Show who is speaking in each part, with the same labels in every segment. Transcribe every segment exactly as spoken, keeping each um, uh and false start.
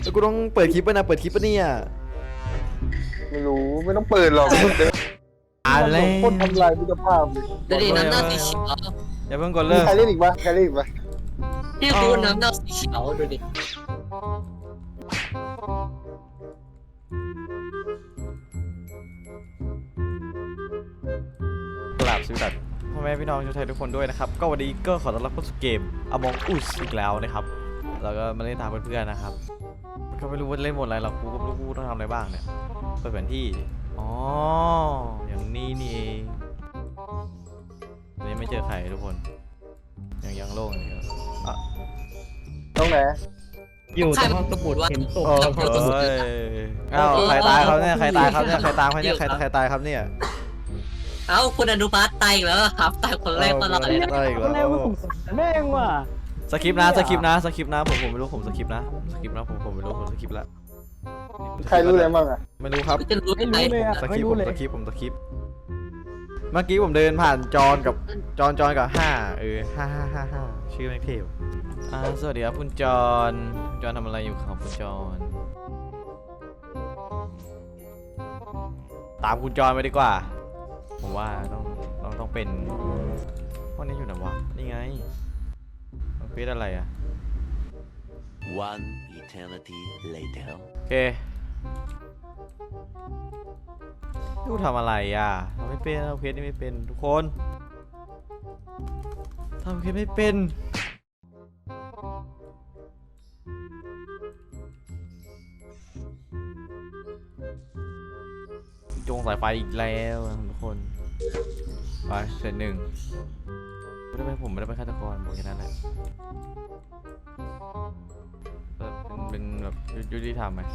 Speaker 1: แล้วกูต้องเปิดคลิปป่ะนะเปิดคลิปป่ะเนี่ย
Speaker 2: ไม่รู้ไม่ต้องเปิดหรอก
Speaker 1: อะไร
Speaker 2: คนทำลายมิตรภาพเลย
Speaker 3: ดูดิน้ำเน่าสีเขียว
Speaker 1: อย่าเพิ่งกด
Speaker 2: มี
Speaker 1: เลิก
Speaker 2: ใครเล่นอีกปะใครเล่นอีกปะ
Speaker 3: พี่ดูน้ำเน่าสีเขียวดูดิ
Speaker 1: กราบสวัสดีพ่อแม่พี่น้องชาวไทยทุกคนด้วยนะครับก็วันนี้ก็ขอต้อนรับเข้าสู่เกม Among Us อีกแล้วนะครับแล้วก็มาเล่นตามเพื่อนๆนะครับก็ไม่รู้ว่าเล่นหมดอะไรหรอกกูก็ไม่รู้กูต้องทำอะไรบ้างเนี่ยเปิดแผนที่อ๋ออย่างนี้นี่เองวันนี้ไม่เจอใครทุกคนยังยังโล่งอยู่อ่ะ
Speaker 2: ตรงไหน
Speaker 4: อยู่แต่ห้องสมุดเห็นศพ
Speaker 1: โอ้
Speaker 4: แล้ว
Speaker 1: โหอ้าวใครตายครับเนี่ยใครตายครับเนี่ยใครตามใครเนี่ยใครใครตายครับเนี่ย
Speaker 3: เอ้าคุณอนุพัฒน์ตายอีกแล้วครับตายคนแรกตลอดเลยนะ
Speaker 1: ตายอีก
Speaker 4: คนแร
Speaker 1: แล้
Speaker 4: ก
Speaker 1: ว
Speaker 4: ว่าสงสารแม่งว่ะ
Speaker 1: สคริปต์นะสคริปต์นะสคริปต์นะผมผมไม่รู้ผมสคริปต์นะสคริปต์นะผมผมไม่รู้ผมสคริปต์แล้ว
Speaker 2: ใครรู้อะไรบ้างอะ
Speaker 1: ไม่รู้ครับ
Speaker 3: จะรู้
Speaker 4: ไม่
Speaker 3: ไหม
Speaker 4: รู้เลยอ่ะ
Speaker 1: สค
Speaker 4: ไม่
Speaker 1: ริปต์
Speaker 4: รู้
Speaker 1: ผม
Speaker 4: เลย
Speaker 1: สคริปต์ผมสคริปต์เมื่อกี้ผมเดินผ่านจอนกับจอนจอนกับห้าเออห้าห้าห้าห้าชื่อแม่งเทพอ่าสวัสดีครับคุณจอนคุณจอนทำอะไรอยู่ครับคุณจอนตามคุณจอนไปดีกว่าผมว่าต้องต้องต้องเป็นห้องนี้อยู่ไหนวะนี่ไงมันเป็นอะไรอ่ะ
Speaker 5: One eternity later.
Speaker 1: โอเคดูทำอะไรอ่ะทำไม่เป็นทำเพจนี่ไม่เป็นทุกคนทำเพจไม่เป็นจงสายไฟอีกแล้วทุกคนไปเสร็จหนึ่งไม่ได้เป็นผมไม่ได้เป็นฆาตกรบอกแค่นั้นแหละเป็นแบบยุติธรรมไหม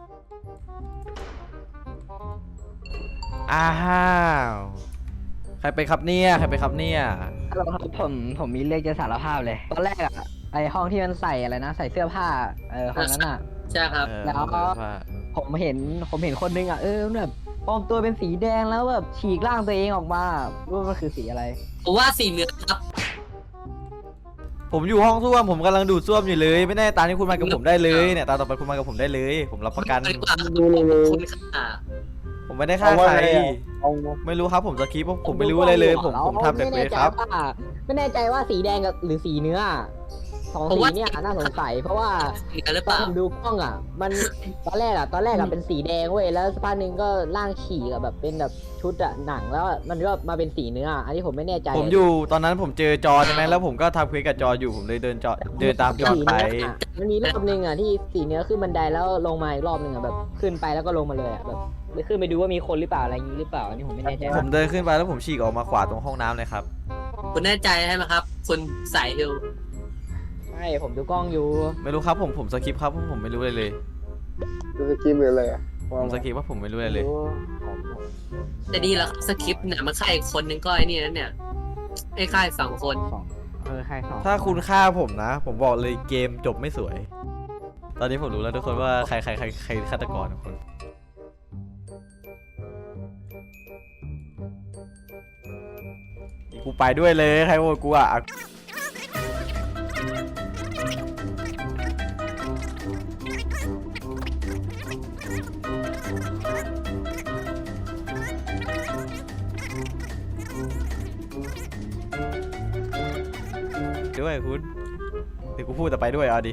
Speaker 1: อ้าวใครไปครับเนี่ยใครไปครับเนี่ย
Speaker 4: เราผมผมมีเรื่องจะสารภาพเลยตอนแรกอ่ะไอห้องที่มันใส่อะไรนะใส่เสื้อผ้าเออห้องนั้นอ่ะ
Speaker 3: ใช่ครับ
Speaker 1: เออ
Speaker 4: แล้วก็ ผมเห็นผมเห็นคนนึงอ่ะเออแบบปลอมตัวเป็นสีแดงแล้วแบบฉีกร่างตัวเองออกมารู้ว่ามันคือสีอะไร
Speaker 3: ผมว่าสีเหลืองครับ
Speaker 1: ผมอยู่ห้องส้วมผมกำลังดูดส้วมอยู่เลยไม่แน่ตามที่คุณมากับผมได้เลยเนี่ยตามต่อไปคุณมากับผมได้เลย ผมรับประกัน
Speaker 3: ดีกว่าคุณค่ะ
Speaker 1: ผมไม่ได้ฆ่าใคร
Speaker 2: เอา
Speaker 1: ไม่รู้ครับผมสคริปต์ผมไม่รู้อะไรเลยผมผมทำแต่เควสครับ
Speaker 4: ไม่แน่ใจว่าสีแดงกับหรือสีเนื้อสองสีเนี่ยน่าสงสัยเพราะว่า
Speaker 3: สีกันหรือ
Speaker 4: ต
Speaker 3: เป
Speaker 4: อน
Speaker 3: ล่า
Speaker 4: ผมดูกล้องอ่ะ มันตอนแรกอ่ะตอนแรกอ่ะเป็นสีแดงเว้ยแล้วสักพักหนึ่งก็ร่างฉีกอะแบบเป็นแบบชุดอ่ะหนังแล้วมันก็มาเป็นสีเนื้ออันนี้ผมไม่แน่ใจ
Speaker 1: ผมอยู่ตอนนั้นผมเจอจอใช่ไหมแล้วผมก็ทำเควสกับจออยู่ผมเลยเดินจอเดินตามจอ
Speaker 4: สี
Speaker 1: ไป
Speaker 4: เนื้ออะมันมีรอบนึงอ่ะที่สีเนื้อขึ้นบันไดแล้วลงมาอีกรอบนึงอ่ะแบบขึ้นไปแล้วก็ลงมาเลยอ่ะแบบขึ้นไปดูว่ามีคนหรือเปล่าอะไรอย่างนี้หรือเปล่าอันนี้ผมไม่แน่ใจ
Speaker 1: ผมเดินขึ้นไปแล้วผมฉีกออกมาขวาตรงห้องน้ำเลยครับ
Speaker 3: คุณแน่ใจใช่ไหมครับคุณสายฮิล
Speaker 4: ใช่ผมดูกล้องอยู่
Speaker 1: ไม่รู้ครับผมผมสคริปต์ครับผมผมไม่รู้อะไรเลย
Speaker 2: ดูสกิมหรืออะไรอะ
Speaker 1: ผมสคริปต์ว่าผมไม่รู้อะไรเลย
Speaker 3: แต่ดีแล้วสคริปต์เนี่ยมันฆ่าอีกคนนึงก็ไอ้นี่นั่นเนี่ยไอ้ฆ่าสองคน
Speaker 4: สองเออใครสอง
Speaker 1: ถ้าคุณฆ่าผมนะ ผมบอกเลยเกมจบไม่สวย ตอนนี้ผมรู้แล้วทุกคนว่าใครใครใครใครฆาตกรทุกคนกูไปด้วยเลยใครโหวตกูอ่ะด้วยคุณเดี๋ยวกูพูดแต่ไปด้วยเอาดิ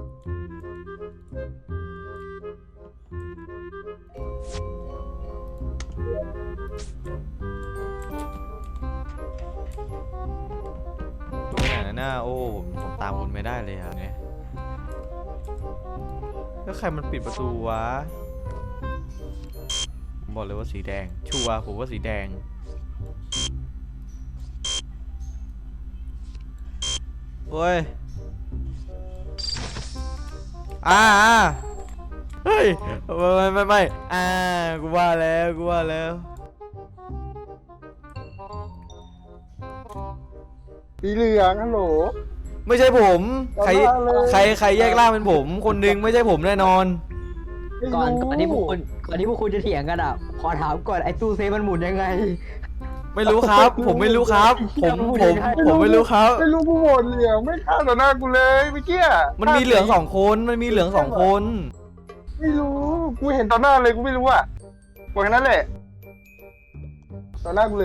Speaker 1: ดูไหนนะโอ้ผมตามคุณไม่ได้เลยครับเนี่ยแล้วใครมันปิดประตูวะผมบอกเลยว่าสีแดงชัวร์ผมว่าสีแดงโอ้ยอ่าเฮ้ยไม่ไม่ไม่อ่ากูว่าแล้วกูว่าแล้ว
Speaker 2: สีเหลืองฮัลโหล
Speaker 1: ไม่ใช่ผมใคร
Speaker 2: เอามาเลย
Speaker 1: ใครใครแยกร่างเป็นผมคนหนึงไม่ใช่ผมแน่นอน
Speaker 2: ไม่
Speaker 4: ก่อน
Speaker 2: รู้
Speaker 4: ก่อนที่พวกคุณก่อนที่พวกคุณจะเถียงกันอ่ะขอถามก่อนไอ้ตู้เซฟมันหมุนยังไง
Speaker 1: ไม่รู้ครับ ผมไม่รู้ครับ ผมผมผมไม่รู้ครับ
Speaker 2: ไม่รู้กูโหวตเหลืองไม่ฆ่าต่อหน้ากูเลยเมื่อกี้
Speaker 1: มันมีเหลืองสองคนมันมีเหลืองสองคน
Speaker 2: ไม่รู้กูเห็นต่อหน้าเลยกูไม่รู้อ่ะบอกแค่นั้นแหละต่อหน้ากูเลย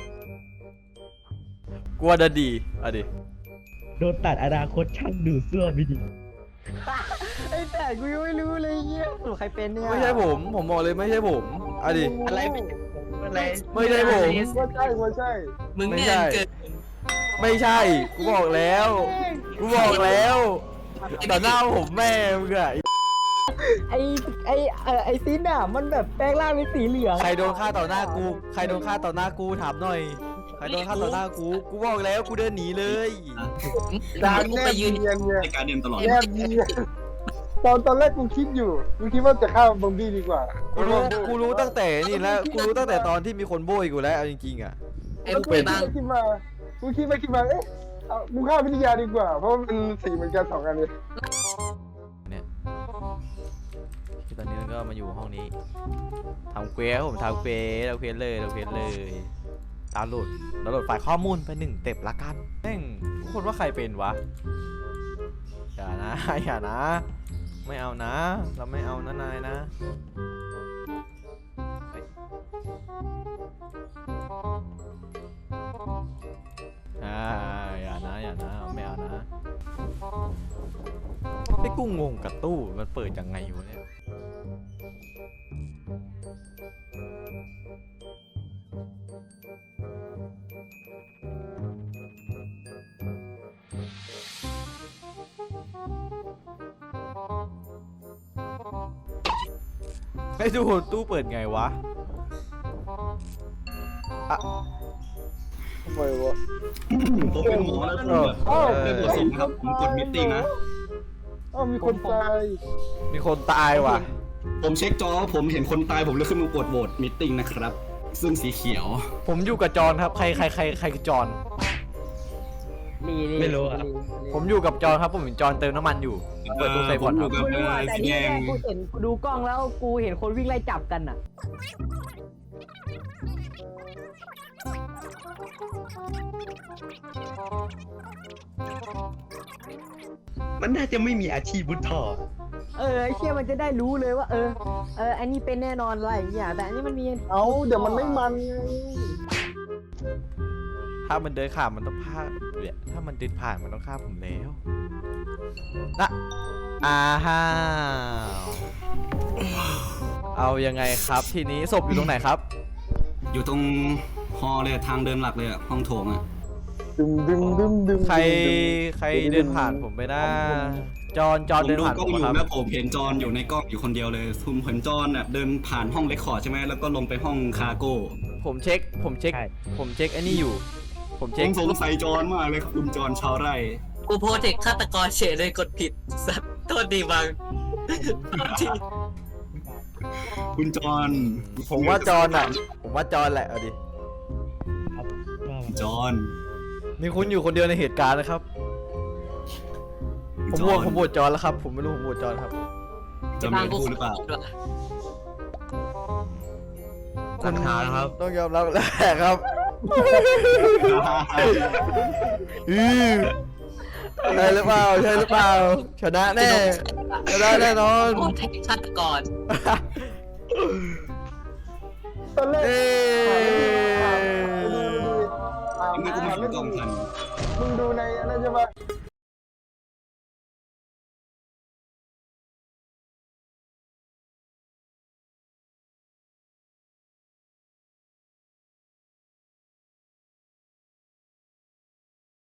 Speaker 1: กลัวจะดีอ่ะดิ
Speaker 6: โดนตัดอนาคตช่างดูเสื้อไม่ดี
Speaker 4: ไอ้แต่กูยังไม่รู้เลยเหี้ยสรุปใครเป็นเนี่ย
Speaker 1: ไม่ใช่ผม ผมบอกเลยไม่ใช่ผมอ่ะดิ
Speaker 6: อะไรไม่อะไร
Speaker 1: ไม่ใช่ผม
Speaker 2: ว่าใช่ว่าใช่
Speaker 3: มึง
Speaker 1: ไม่
Speaker 3: เนี่ย
Speaker 1: ใช่
Speaker 3: เกิด
Speaker 1: ไม่ใช่ กูบอกแล้ว กูบอกแล้วต่อหน้าผมแม่มึงอะ
Speaker 4: ไอ้ไอ้เออไอ้ซินอ่ะมันแบบแปลงร่างเป็นสีเหลือง
Speaker 1: ใครโดนฆ่าต่อหน้ากู ใครโดนฆ่าต่อหน้ากูถามหน่อย ใครโดนฆ่าต่อหน้ากู กูบอกแล้วกูเดินหนีเลย
Speaker 2: การ
Speaker 3: กู
Speaker 2: แน
Speaker 3: ไป
Speaker 2: บ
Speaker 3: ยืน
Speaker 2: เนียนเนี่ย
Speaker 7: ในการเดินตลอด
Speaker 2: แนบเนียนตอนตอนแรกกูคิดอยู่กูคิดว่าจะฆ่าบอมบี้ดีกว่า
Speaker 1: กูรู้ กูรู้ตั้งแต่นี่แล้ว กูรู้ตั้งแต่ตอนที่มีคนโบยกูแล้วเอาจริงๆอะ
Speaker 3: ไอ้
Speaker 2: แล้ว
Speaker 3: มึง
Speaker 2: กู
Speaker 3: ไป
Speaker 2: คิด
Speaker 3: บ้าง
Speaker 2: ไปคิดมากูคิดไปคิดมาเอ๊ะเอากูฆ่าวิทยาดีกว่า เพราะมันสีเหมือนกันสองอันเลย
Speaker 1: เนี่ยที่ตอนนี้ก็มาอยู่ห้องนี้ทำเควสผมทำเควสเราเควสเลยเราเควสเลยดาวน์โหลดดาวน์โหลดไฟล์ข้อมูลไปหนึ่งเต็บละกันแม่งทุกคนว่าใครเป็นวะอย่านะ อย่านะ ไม่เอานะ เราไม่เอานะนายนะเฮ้ยอ่าอย่านะอย่านะไม่เอานะไอ้กูงงกับตู้มันเปิดยังไงวะเนี่ยไอ้ดูตู้เปิดไงวะ
Speaker 2: ทำไมวะ
Speaker 7: ผมเป็นหมอแล้วผมแบบ
Speaker 2: เอ้า
Speaker 7: เรื่องตัวสินครับผมกดมิทติ้งนะ
Speaker 2: เอ้ามีคนตาย
Speaker 1: มีคนตายว่ะ
Speaker 7: ผมเช็คจอผมเห็นคนตายผมเลยขึ้นมากดโหวตมิทติ้งนะครับ ซึ่งสีเขียว
Speaker 1: ผมอยู่กับจอนครับ ใครใครใครใครคือจอน
Speaker 4: ลีลี
Speaker 6: ไม่รู้อะ
Speaker 4: ลีลี
Speaker 1: ผมอยู่กับจอนครับ ผมเห็นจอนเติมน้ำมันอยู่ เปิดตู้เซฟ
Speaker 7: ผ
Speaker 1: ก่อ
Speaker 7: ม
Speaker 1: น
Speaker 7: อ
Speaker 1: ครั
Speaker 7: ยู่
Speaker 1: บ
Speaker 7: กับ
Speaker 4: ไม่รู้อะแต่
Speaker 7: สี
Speaker 4: ที่
Speaker 7: แด
Speaker 4: แร
Speaker 7: ง
Speaker 4: กกูเห็นกูดูกล้องแล้วกูเห็นคนวิ่งไล่จับกันอ่ะ
Speaker 6: มันน่าจะไม่มีอาชีพบุญทอ
Speaker 4: เออไอ้เชี่ยมันจะได้รู้เลยว่า เออเอออันนี้เป็นแน่นอนอะไรอย่างเงี้ยแต่อันนี้มันมี
Speaker 2: เอ้าเดี๋ยวมันไม่มันไง
Speaker 1: ถ้ามันเดินข้ามมันต้องพลาดเนี่ยถ้ามันเดินผ่านมันต้องฆ่าผมแล้วนะอ้าวเอายังไงครับทีนี้ศพอยู่ตรงไหนครับ
Speaker 7: อยู่ตรงฮอลเลยทางเดินหลักเลยอะห้องโถงอะ
Speaker 2: ดึงดึงดึงดึง
Speaker 1: ใครใครเดินผ่านผมไปนะจอนจ
Speaker 7: ผ
Speaker 1: อน
Speaker 7: ม
Speaker 1: เดิน
Speaker 7: ดู
Speaker 1: ผ่าน
Speaker 7: กล้
Speaker 1: ผ
Speaker 7: อง
Speaker 1: ม
Speaker 7: อยู่
Speaker 1: ครับ
Speaker 7: นะผมเห็นจอนอยู่ในกล้องอยู่คนเดียวเลยผมเห็นจอนแบบเดินผ่านห้องเรคคอร์ดใช่ไหมแล้วก็ลงไปห้องคาร์โก้
Speaker 1: ผมเช็ค ผมเช็ค
Speaker 6: ใช่
Speaker 1: ผมเช็คไอ้นี่อยู่ ผม
Speaker 7: ผ
Speaker 1: เช็ค
Speaker 7: มสงสัยจอนมากเลยครับคุณจอนชาวไร่
Speaker 3: กูโพสเทคฆาตกรเฉยเลยกดผิดสัตว์โทษดีบางโทษที
Speaker 7: คุณจอน
Speaker 1: ผมว่าจอนอ่ะ ผมว่าจอนแหละเอาดิ
Speaker 6: ครับว่ามา
Speaker 7: จอน
Speaker 1: มีคุณอยู่คนเดียวในเหตุการณ์นะครับ ผมโหวตผมโหวตจอนแล้วครับ ผมไม่รู้ผมโหวตจอนครับ
Speaker 7: จะ
Speaker 3: บา
Speaker 7: มี
Speaker 3: งกู
Speaker 7: พูดหรือเปล่า
Speaker 3: ด้วย
Speaker 1: คุณต้องยอมรับแล้วครับอือใช่หรือเปล่าใช่หรือเปล่าชนะแน่ชนะแน่นอน
Speaker 3: โพสเทคฆาตกร
Speaker 2: ตอนแรก
Speaker 1: เอ้
Speaker 2: ถาม
Speaker 7: ยังไงกูไม่เห็นกล้องทัน
Speaker 2: มึงดูในอันนั้นใช่ปะ